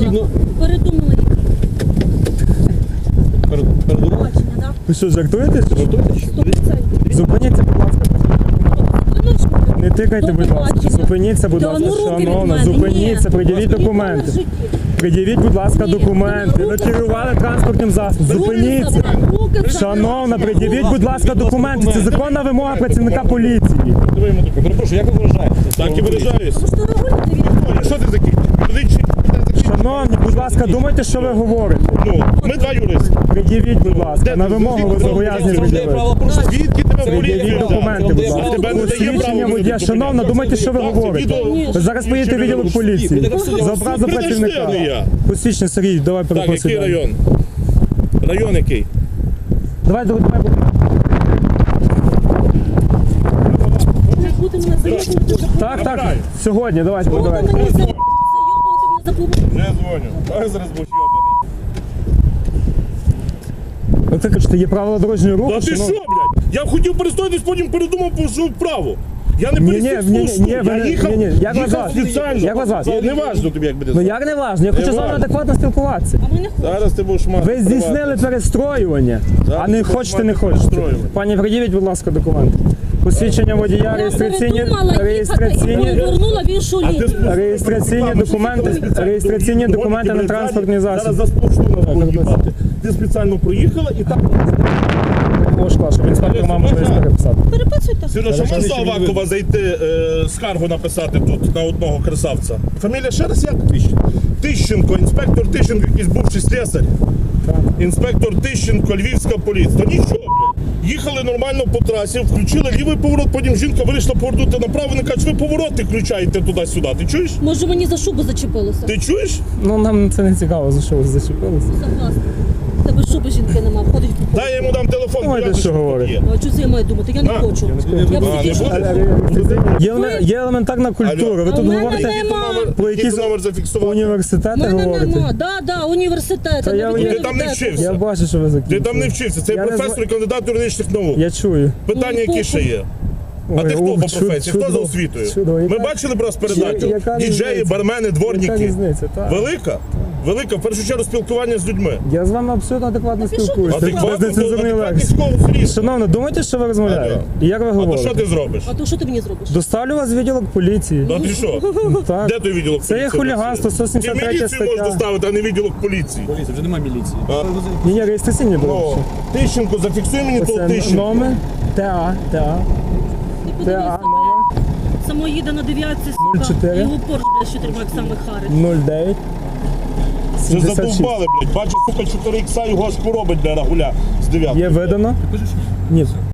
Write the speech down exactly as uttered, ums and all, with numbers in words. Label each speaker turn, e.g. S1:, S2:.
S1: потрібно...
S2: Передумала їх.
S1: Передумали?
S2: Бачення, так?
S3: Ви що, жартуєте?
S1: Жартуєте? Що?
S3: Зупиніться, будь ласка. Не тикайте, будь ласка.
S2: Бачення.
S3: Зупиніться, будь
S2: Та
S3: ласка,
S2: ну руки від
S3: шановна.
S2: мене,
S3: Зупиніться,
S2: ні.
S3: пред'явіть
S2: Ніколи в
S3: документи.
S2: житті.
S3: Пред'явіть, будь ласка,
S2: Ні.
S3: документи. Ви
S2: Руки
S3: керували транспортним засобом.
S2: Руки
S3: Зупиніться.
S2: забрали, руки забрали.
S3: Шановна, пред'явіть, будь ласка, документи. Це законна вимога працівника поліції.
S1: Перепрошую, як ви виражаєтеся?
S4: Так і виражаюся.
S2: Ви що регулюєте від?
S4: Ой, що ти такий? Юридичний?
S3: Шановні, будь ласка, думайте, що ви говорите.
S4: Ну, ми два юристи.
S3: Пред'явіть, будь ласка, на вимогу ви зобов'язані пред'явити.
S4: Звідки тебе поліція
S3: Пред'явіть
S4: взяла?
S3: документи, будь ласка.
S4: Тебе не дає
S3: Посвідчення
S4: права
S3: водія.
S4: робити
S3: Шановна,
S4: документи.
S3: думайте, що ви
S4: Так, це
S3: говорите.
S4: відео-
S3: Ви зараз поїдете в відділок поліції. За образу працівника.
S4: не я.
S3: Посвідчення, Сергій, давай
S4: Так, який
S3: перепросимо.
S4: район? Район який?
S3: Давай, давай, давай.
S2: Ви будете мене зайобувати за
S3: Так, так, сьогодні, давайте,
S2: Будете
S3: давайте.
S2: мене зайобувати за побудову.
S4: Не дзвоню. Ой, зараз будеш йобаний.
S3: Ви так кажете, є правила дорожнього руху,
S4: Та ти що,
S3: шановні?
S4: блядь? Я хотів перестоятись, потім передумав, пішов вправо. Я не
S3: Ні, ні,
S4: перестиг
S3: ні, ні,
S4: слушну.
S3: ні, ви
S4: Я
S3: не-
S4: їхав,
S3: ні, ні, як вас
S4: їхав
S3: звати?
S4: спеціально.
S3: Як вас звати?
S4: Це не важно тобі, як буде
S3: Ну
S4: звати.
S3: як не важно, я хочу з вами
S4: важно.
S3: адекватно спілкуватися.
S2: А ми не хочемо.
S4: Зараз ти будеш мати.
S3: Ви здійснили
S4: приватність.
S3: перестроювання,
S4: Зараз
S3: а не
S4: ти будеш
S3: хочете, не
S4: мати
S3: хочете.
S4: перестроювання.
S3: Пані, пред'явіть, будь ласка, документи. Посвідчення водія,
S2: Я
S3: реєстраційні,
S2: передумала їхати і
S3: реєстраційні,
S2: повернула в іншу
S4: А ти
S2: лінію.
S4: спустив
S3: реєстраційні
S4: руками,
S3: документи,
S4: спеціально
S3: реєстраційні
S4: доїхала,
S3: документи на
S4: доїхала,
S3: транспортний
S4: Зараз
S3: засіб.
S4: за сплошну на їбати. Ти спеціально проїхала і так.
S3: Ложка, щоб інспектор мав можливість переписати.
S2: Переписуйте.
S4: Сережа, можна Авакова зайти, е, скаргу написати тут на одного красавця? Фамілія ще раз як? Тищенко, інспектор Тищенко, якийсь бувший слесар. Інспектор Тищенко, Львівська поліція. Та нічого, блядь. Їхали нормально по трасі, включили лівий поворот, потім жінка вирішила повернути направо, вони кажуть, ви повороти включаєте туди-сюди. Ти чуєш?
S2: Може мені за шубу зачепилося?
S4: Ти чуєш?
S3: Ну нам це не цікаво, за що ви зачепилися.
S2: Согласна. В тебе шуби жінки нема, ходить по
S4: Дай я йому дам телефон,
S3: Думаєте,
S4: я
S3: що
S4: тут
S3: говорить?
S4: є.
S2: А що це я маю думати? Я не
S4: А,
S2: хочу. Я
S4: А, не
S2: психічно.
S4: буде?
S3: Є, еле- є елементарна культура. Ви
S2: А
S3: тут
S2: в мене
S3: говорите
S2: нема.
S3: про
S4: Який
S3: якісь
S4: ти номер зафіксував?
S3: університети,
S2: Мене
S3: говорите.
S2: нема. Да, да, університет.
S3: Та я-
S4: Ти там не вчився.
S3: Я бачу, що ви закінчили.
S4: Ти там не вчився, це
S3: Я не
S4: професор і
S3: зна-
S4: кандидат юридичних наук.
S3: Я чую.
S4: Питання, які ще є? А
S3: Ой,
S4: ти хто
S3: о,
S4: по
S3: чудо,
S4: професії? Хто за
S3: чудово,
S4: освітою?
S3: чудово.
S4: Ми
S3: Яка-
S4: бачили б розпередачу?
S3: яка
S4: Діджеї,
S3: різниця?
S4: бармени,
S3: Яка
S4: дворники.
S3: різниця, так.
S4: Велика? Велика, в першу чергу, спілкування з людьми.
S3: Я з вами абсолютно адекватно
S2: Та пішов ти
S3: спілкуюся.
S2: сюди.
S3: Без
S4: Адекватно,
S3: нецензурної
S4: адекватність
S3: лексики.
S4: кого зріс.
S3: Шановна, думайте, що ви розмовляєте?
S4: Алло.
S3: І як ви
S4: А то що
S3: говорите?
S4: ти зробиш?
S2: А то що ти мені зробиш?
S3: Доставлю вас в відділок поліції.
S4: Ну, а ти що?
S3: Так.
S4: Де той відділок
S3: Це є
S4: поліції?
S3: хуліганство, сто
S4: Ти
S3: сімдесят третя
S4: міліцію можеш
S3: стаття.
S4: доставити, а не відділок поліції.
S1: Поліція, вже немає міліції.
S4: А?
S3: Ні, ні, реєстраційні
S4: О,
S3: були.
S4: Тищенко, зафіксуй мені того
S3: Це
S4: Тищенко.
S3: номер ТА, ТА,
S2: Ти
S3: ТА,
S2: подивися,
S3: номер
S2: само їде на дев'ятці,
S3: нуль
S2: сука.
S3: чотири.
S2: І його порш, блядь, що треба як саме харить.
S3: нуль дев'ять
S4: Вже
S3: сімдесят шість.
S4: задовбали, блядь. Бачу, сука, чотири ікса його аж поробить для рагуля з дев'ятки.
S3: Є видано? Ні.